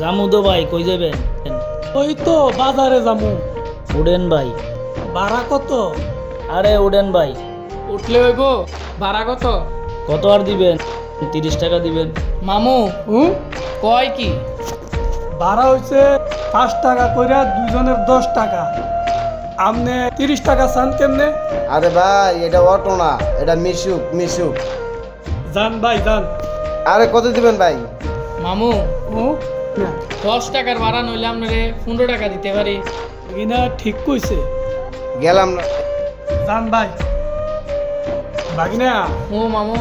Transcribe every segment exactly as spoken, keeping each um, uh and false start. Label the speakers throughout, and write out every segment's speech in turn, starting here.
Speaker 1: আমুদো ভাই কই যাবেন?
Speaker 2: ওই তো বাজারে যামু।
Speaker 1: উডেন ভাই।
Speaker 2: ভাড়া কত?
Speaker 1: আরে উডেন ভাই,
Speaker 3: উঠলে হইব। ভাড়া কত?
Speaker 1: কত আর দিবেন? তিরিশ টাকা দিবেন।
Speaker 3: মামু
Speaker 2: হুম
Speaker 3: কয় কি?
Speaker 2: ভাড়া হইছে পাঁচ টাকা কইরা দুজনের দশ টাকা। আপনি তিরিশ টাকা চান কেমনে?
Speaker 4: আরে ভাই এটা অটো না, এটা মিশুক মিশুক।
Speaker 2: যান ভাই যান।
Speaker 4: আরে কত দিবেন ভাই?
Speaker 3: মামু
Speaker 2: হুম না
Speaker 3: দশ টাকার ভাড়া নইলে আপনারে পনেরো টাকা দিতে পারি।
Speaker 2: কিনা ঠিক কইছে।
Speaker 4: গেলাম না।
Speaker 2: যান ভাই। বাগিনা
Speaker 3: ও মামু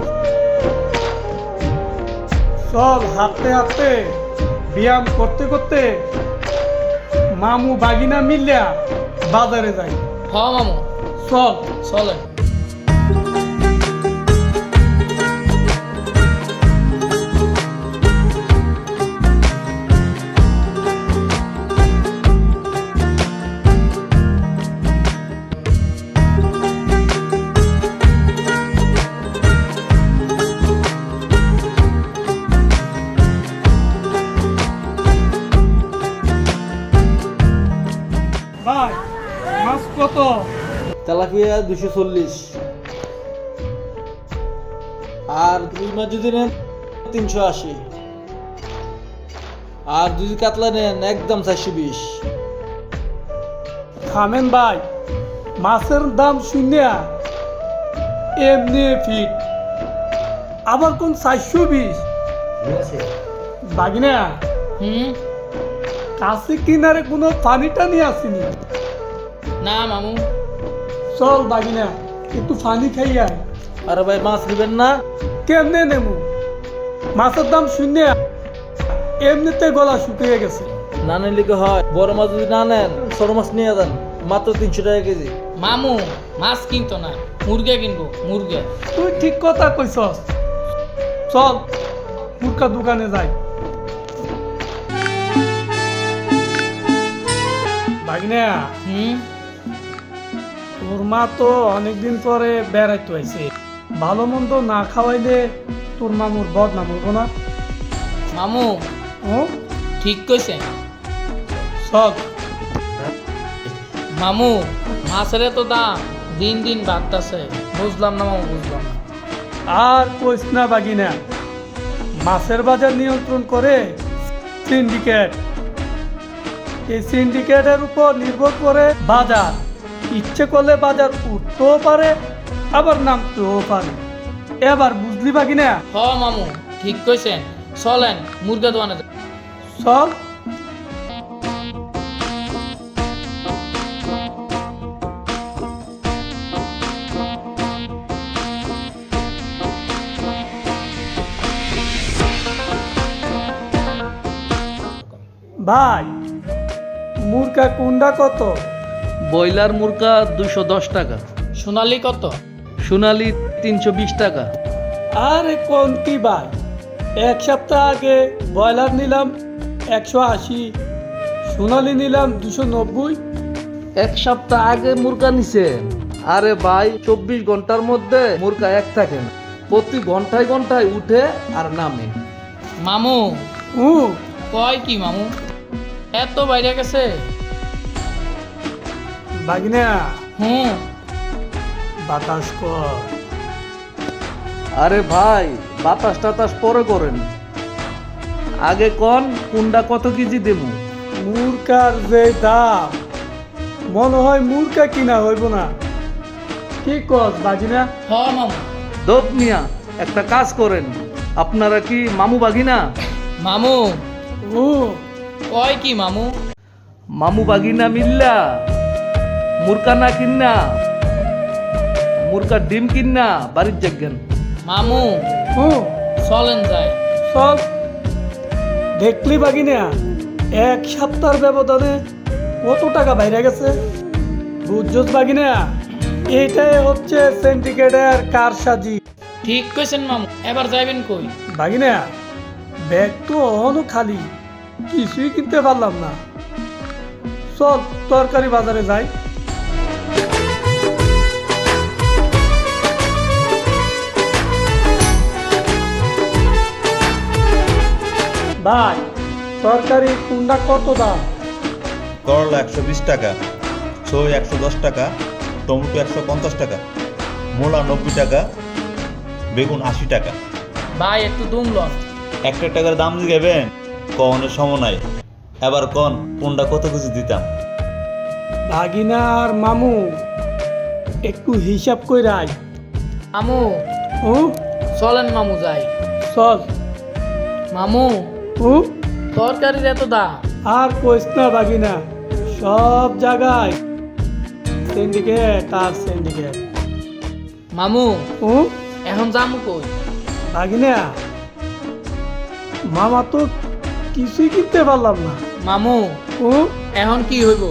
Speaker 2: চল হাঁটতে হাঁটতে ব্যায়াম করতে করতে মামু বাগিনা মিলিয়া বাজারে যাই।
Speaker 3: হ মামু
Speaker 2: চল।
Speaker 3: চলেন।
Speaker 2: ভাই মাছ কত?
Speaker 5: তেলাপিয়া দুশো চল্লিশ, আর দুই মাছ যদি নেন তিনশো আশি, আর যদি কাতলা নেন একদম চারশো বিশ।
Speaker 2: থামেন ভাই, মাছের দাম শূন্য এমনি ফিট, আবার কোন চারশো বিশ? বাগিনা
Speaker 3: হুম
Speaker 2: কাছে কিনারে কোনো পানি টানি আসেনি?
Speaker 3: না মামু
Speaker 2: চল বাগিনা একটু পানি খাই আয়।
Speaker 5: আরে ভাই মাছ নেবেন না?
Speaker 2: কেমনে নেমু? মাছের দাম শূন্য, এমনিতে গলা শুকিয়ে গেছে।
Speaker 5: না নিলে কি হয়, বড় মাছ যদি না নেন ছোট মাছ নিয়ে যান, মাত্র তিনশো টাকা কেজি।
Speaker 3: মামু মাছ কিনতো না, মুরগা কিনবো মুরগা।
Speaker 2: তুই ঠিক কথা কইছস। চল মুরকা দোকানে যাই। বাগিনা
Speaker 3: হুম
Speaker 2: তোর মা তো অনেকদিন পরে বেড়াইতে আইছে, ভালো মন্দ না খাওয়াইলে তোর মামুর বদনাম হইব না?
Speaker 3: মামু
Speaker 2: ও
Speaker 3: ঠিক কইছেন।
Speaker 2: চল।
Speaker 3: মামু মাছের এত দাম দিন দিন বাড়তাছে। বুঝলাম না মামু, বুঝলাম না।
Speaker 2: আর কইস না বাগিনা, মাছের বাজার নিয়ন্ত্রণ করে সিন্ডিকেট। এই সিন্ডিকেটের উপর নির্ভর করে বাজার। ইচ্ছে করলে বাজার উঠতেও পারে আবার নামতেও পারে। এবার বুঝলি বাগিনা?
Speaker 3: হ মামু ঠিক কইছেন। চলেন মুরগা দোকানে যাই।
Speaker 2: চল। ভাই মুরগা কুন্ডা কত?
Speaker 5: ব্রয়লার মুরগা দুশো দশ টাকা,
Speaker 3: সোনালি কত?
Speaker 5: সোনালি তিনশো বিশ টাকা।
Speaker 2: আরে কোন কি ভাই, এক সপ্তাহ আগে ব্রয়লার নিলাম একশো আশি, সোনালি নিলাম দুশো নব্বই।
Speaker 5: এক সপ্তাহ আগে মুরগা নিছেন? আরে ভাই চব্বিশ ঘন্টার মধ্যে মুরগা এক থাকে না, প্রতি ঘন্টায় ঘন্টায় উঠে আর নামে।
Speaker 3: মামু
Speaker 2: হুম
Speaker 3: কয় কি মামু, এত বাইরে গেছে?
Speaker 2: বাগিনা
Speaker 3: হুম
Speaker 2: বাতাস কর।
Speaker 5: আরে ভাই বাতাস টাতাস পরে করেন, আগে কোন কোনটা কত কেজি দেবো?
Speaker 2: মুরকার যে দাম, মনে হয় মুরকা কিনা হইব না। কি কস বাগিনা?
Speaker 3: হ মামু।
Speaker 5: দোপ মিয়া একটা কাজ করেন, আপনারা কি মামু বাগিনা?
Speaker 3: মামু
Speaker 2: ও
Speaker 3: কয় কি মামু?
Speaker 5: মামু বাগিনা মিল্লা মুরকা না কিন্না, মুরকার ডিম কিন্না বাড়ির যাবেন।
Speaker 3: মামু
Speaker 2: ও
Speaker 3: চলেন যাই।
Speaker 2: চল। দেখলি বাগিনা এক সপ্তাহের ব্যবধানে কত টাকা বাইরে গেছে? বুঝছস বাগিনা, এটাই হচ্ছে সিন্ডিকেটের কারসাজি।
Speaker 3: ঠিক কইছেন মামু। এবার যাইবেন কই?
Speaker 2: বাগিনা ব্যাগ তো অহনো খালি, কিছুই কিনতে পারলাম না। চল তরকারি বাজারে যাই। ভাই তরকারি কোনটা কত দাম?
Speaker 6: করলা একশো বিশ টাকা, ছই একশো দশ টাকা, টমেটো একশো পঞ্চাশ টাকা, মূলা নব্বই টাকা, বেগুন আশি টাকা।
Speaker 3: ভাই একটু দুম লন।
Speaker 6: একটা টাকার দাম দিবেন কনের সময় নাই। এবার কন কোনটা কত কিছু দিতাম।
Speaker 2: ভাগিনা আর মামু একটু হিসাব কইরা আয়।
Speaker 3: মামু
Speaker 2: ও
Speaker 3: চলেন মামু যাই।
Speaker 2: চল।
Speaker 3: মামু
Speaker 2: ও
Speaker 3: তরকারির এত দাম।
Speaker 2: আর কইস না ভাগিনা, সব জায়গায় সিন্ডিকেট আর সিন্ডিকেট।
Speaker 3: মামু
Speaker 2: ও
Speaker 3: এখন যামু কই?
Speaker 2: ভাগিনা, মামা তো কিছুই কিনতে পারলাম না।
Speaker 3: মামু
Speaker 2: ও
Speaker 3: এখন কি হইব?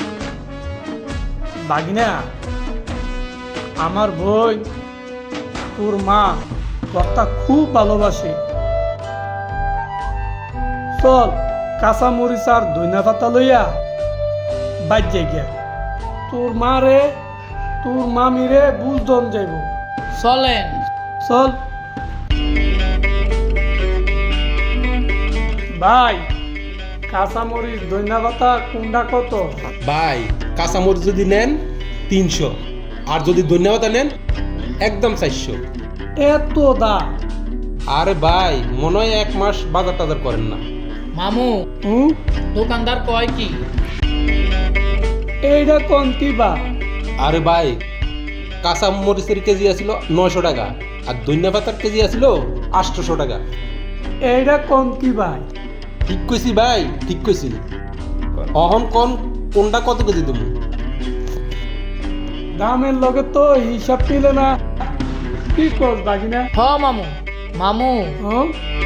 Speaker 2: ভাগিনা, আমার বই তোর মা কথা খুব ভালোবাসে। চল কাঁচা মরিচ আর ধনিয়া পাতা লইয়া বাজ্যে গিয়া তোর মা রে তোর মামি রে বুঝদন যাইব।
Speaker 3: চলেন।
Speaker 2: চল ভাই, কাঁচা মরিচ ধনিয়া পাতা কোনটা কত?
Speaker 7: ভাই কাঁচামরিচ যদি নেন তিনশো, আর যদি ধন্যবাদ নেন একদম চারশো।
Speaker 2: এত দাম?
Speaker 7: আরে ভাই মনে হয় এক মাস বাজার টাজার করেন না।
Speaker 3: মামু
Speaker 2: হুম,
Speaker 3: দোকানদার কয় কি?
Speaker 2: এইটা কোন কি বা?
Speaker 7: আরে ভাই কাঁচা মরিচের কেজি আছিল নয়শো টাকা, আর ধনিয়া পাতার কেজি আছিল আটশোশো টাকা।
Speaker 2: এইটা কোন কি ভাই?
Speaker 7: ঠিক কইছি ভাই, ঠিক কইছি। অহন কোন কোনটা কত কেজি তুমি?
Speaker 2: দামের লগে তো হিসাব পেলে না, কি কর বাগিনা?
Speaker 3: হ মামু। মামু
Speaker 2: হ্যাঁ,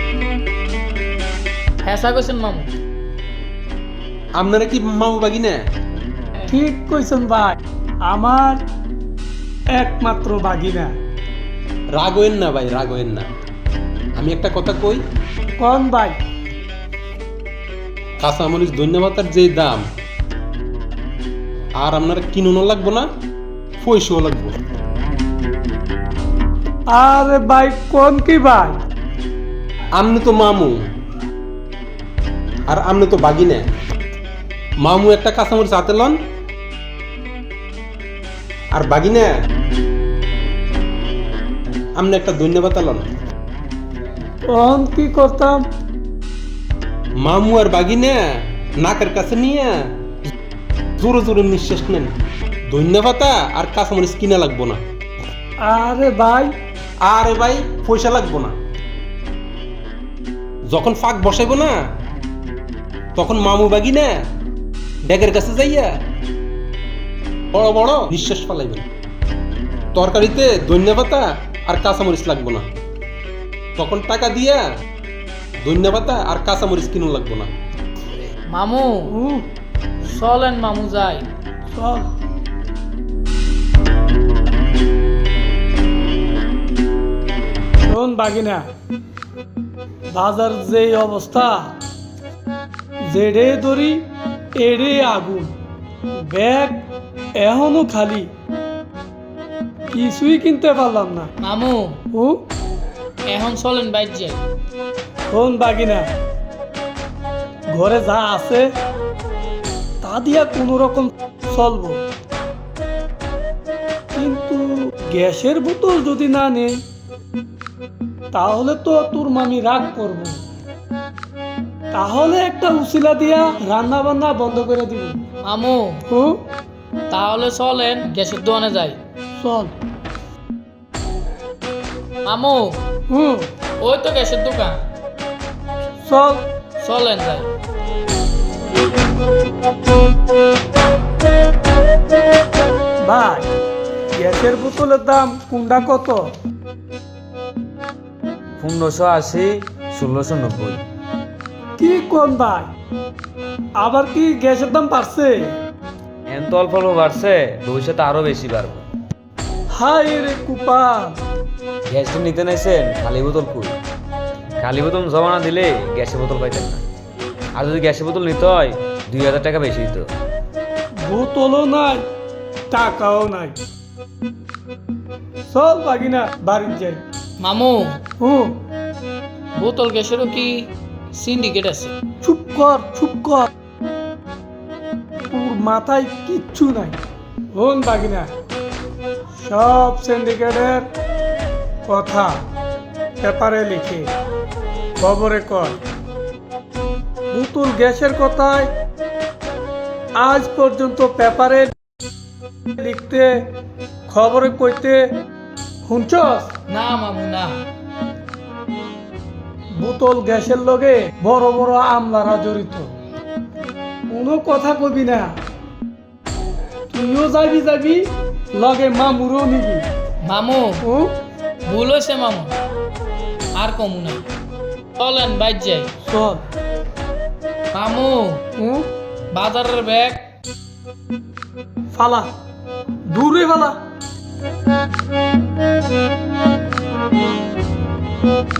Speaker 3: হেসা কইছেন মামু।
Speaker 7: আপনারা কি মামু বাগি না?
Speaker 2: ঠিক কইছেন ভাই, আমার একমাত্র বাগিনা।
Speaker 7: রাগ হইন না ভাই, রাগ হইন না। আমি একটা কথা কই,
Speaker 2: কোন ভাই?
Speaker 7: কাঁচামরিচ ধনিয়া পাতার যে দাম, আর আপনারা কিনুনও লাগবো না, পয়সাও লাগবো।
Speaker 2: আরে ভাই কোন কি ভাই?
Speaker 7: আমনে তো মামু আর আমনে তো বাগি না। মামু একটা কাঁচামরিচ হাতে লন, আর বাগি না আমনে একটা ধনিয়া পাতা লন।
Speaker 2: কোন কি করতাম?
Speaker 7: মামু আর বাগি না নাকের কাছে নিয়ে জোরে জোরে নিঃশ্বাস নেন। ধনিয়া পাতা আর কাঁচামরিচ কিনা লাগবো না।
Speaker 2: আরে ভাই,
Speaker 7: আরে ভাই পয়সা লাগবো না। যখন ফাঁক বসাইবো না, তখন মামু বাগি না ডেকের কাছে যাইয়া বড় বড় নিঃশ্বাস ফালাইবেন। তরকারিতে ধনিয়া পাতা আর কাঁচামরিচ লাগবো না, তখন টাকা দিয়া ধনিয়া পাতা আর কাঁচামরিচ কিনুন লাগবো না।
Speaker 3: মামু
Speaker 2: হুম,
Speaker 3: চলেন মামু যাই।
Speaker 2: চল। শোন বাগিনা, বাজার যে অবস্থা, যেড়ে ধরি এড়ে আগুন, ব্যাগ এখনো খালি, কিছুই কিনতে পারলাম না।
Speaker 3: মামু
Speaker 2: ও
Speaker 3: এখন চলেন বাইর যাই।
Speaker 2: শোন বাগিনা, ঘরে যা আছে তা দিয়া কোনো রকম চলবো, কিন্তু গ্যাসের বোতল যদি না নেই তাহলে তো তোর মামি রাগ করব। তাহলে একটা উসিলা দিয়া রান্না বান্না বন্ধ করে দিব।
Speaker 3: মামু
Speaker 2: ও
Speaker 3: তাহলে চলেন গ্যাসের দোকানে যাই।
Speaker 2: চল।
Speaker 3: মামু
Speaker 2: হুম,
Speaker 3: ওই তো গ্যাসের দোকান,
Speaker 2: চল।
Speaker 3: চলেন যাই।
Speaker 2: ভাই, গ্যাসের বোতলের দাম কোনটা কত?
Speaker 1: পনেরোশো আশি, ষোলোশো নব্বই।
Speaker 2: কি কোন ভাই, আবার কি গ্যাসের দাম বাড়ছে?
Speaker 1: এন তো অল্প অল্প বাড়ছে, ভবিষ্যতে আরো বেশি বাড়বে।
Speaker 2: হাই রে কুপাল,
Speaker 1: গ্যাসটা নিতে নাইছেন, খালি বোতল কই? খালি বোতল জমা না দিলে গ্যাসের বোতল পাইতেন না। আর যদি গ্যাসের বোতল নিতে হয় দুই হাজার টাকা বেশি দিত।
Speaker 2: বোতলও নাই, টাকাও নাই। চল বাগিনা, বাড়ি যাই।
Speaker 3: মামু
Speaker 2: হুম,
Speaker 3: বোতল গ্যাসেরও কি সিন্ডিকেট আছে।
Speaker 2: চুপ কর চুপ কর, তোর মাথায় কিচ্ছু নাই। হন বাগিনা, সব সিন্ডিকেটের কথা পেপারে লিখে খবরে কর। বোতল গ্যাসের কথায় আজ পর্যন্ত পেপারে লিখতে খবরে কইতে শুনছস?
Speaker 3: না মামু না।
Speaker 2: বোতল গ্যাসের লগে বড় বড় আমলারা জড়িত, কোনো কথা কবি না। তুইও যাবি যাবি লগে মামুরও নিবি।
Speaker 3: মামু
Speaker 2: ও
Speaker 3: ভুল হয়েছে মামু, আর কমু না। চলেন বাইর যাই।
Speaker 2: চল।
Speaker 3: মামু
Speaker 2: ও
Speaker 3: বাজারের ব্যাগ
Speaker 2: ফালা, দূরে ফালা।